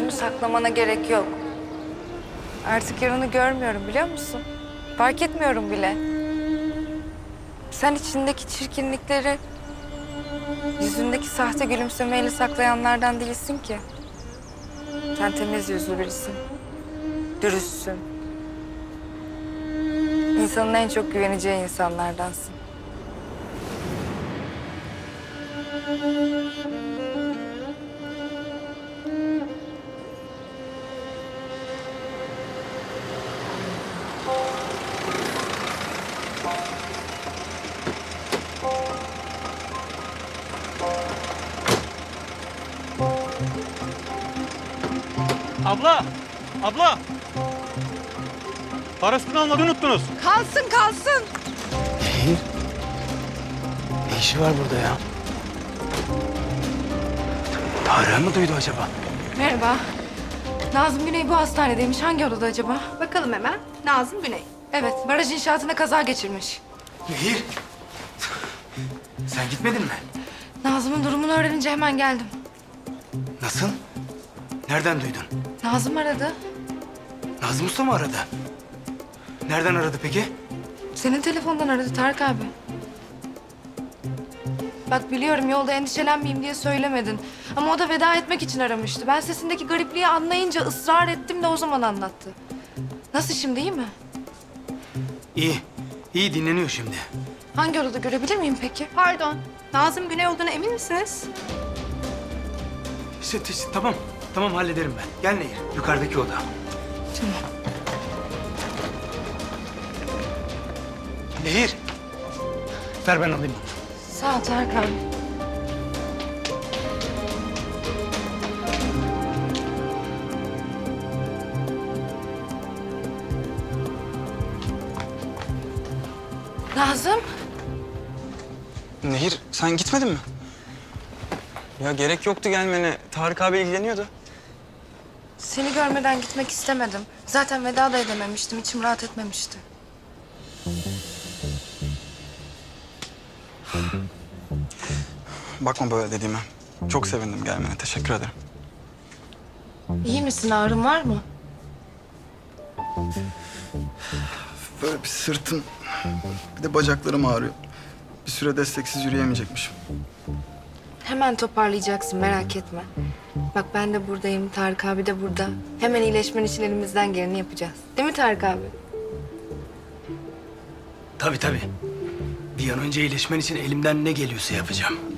yüzümü saklamana gerek yok. Artık yarını görmüyorum biliyor musun? Fark etmiyorum bile. Sen içindeki çirkinlikleri yüzündeki sahte gülümsemeyle saklayanlardan değilsin ki. Sen temiz yüzlü birisin. Dürüstsün. İnsanın en çok güveneceği insanlardansın. Abla! Abla! Parasını almayı unuttunuz. Kalsın kalsın. Nehir. Ne işi var burada ya? Tarık'ı mı duydu acaba? Merhaba. Nazım Güney bu hastanedeymiş. Hangi odada acaba? Bakalım hemen. Nazım Güney. Evet, baraj inşaatında kaza geçirmiş. Nehir. Sen gitmedin mi? Nazım'ın durumunu öğrenince hemen geldim. Nasıl? Nereden duydun? Nazım aradı. Nazım Usta mı aradı? Nereden aradı peki? Senin telefondan aradı Tarık abi. Bak biliyorum yolda endişelenmeyeyim diye söylemedin. Ama o da veda etmek için aramıştı. Ben sesindeki garipliği anlayınca ısrar ettim de o zaman anlattı. Nasıl şimdi, iyi mi? İyi. İyi dinleniyor şimdi. Hangi odada görebilir miyim peki? Pardon. Nazım Güney olduğuna emin misiniz? Tamam. Tamam hallederim ben. Gel Nehir. Yukarıdaki oda. Tamam. Nehir. Ver ben alayım. Sağ ol Tarık abi. Nazım. Nehir, sen gitmedin mi? Ya gerek yoktu gelmene. Tarık abi ilgileniyordu. Seni görmeden gitmek istemedim. Zaten veda da edememiştim. İçim rahat etmemişti. Bakma böyle dediğime. Çok sevindim gelmene. Teşekkür ederim. İyi misin? Ağrın var mı? Böyle bir sırtım, bir de bacaklarım ağrıyor. Bir süre desteksiz yürüyemeyecekmişim. Hemen toparlayacaksın, merak etme. Bak ben de buradayım, Tarık abi de burada. Hemen iyileşmen için elimizden geleni yapacağız. Değil mi Tarık abi? Tabii. Bir an önce iyileşmen için elimden ne geliyorsa yapacağım.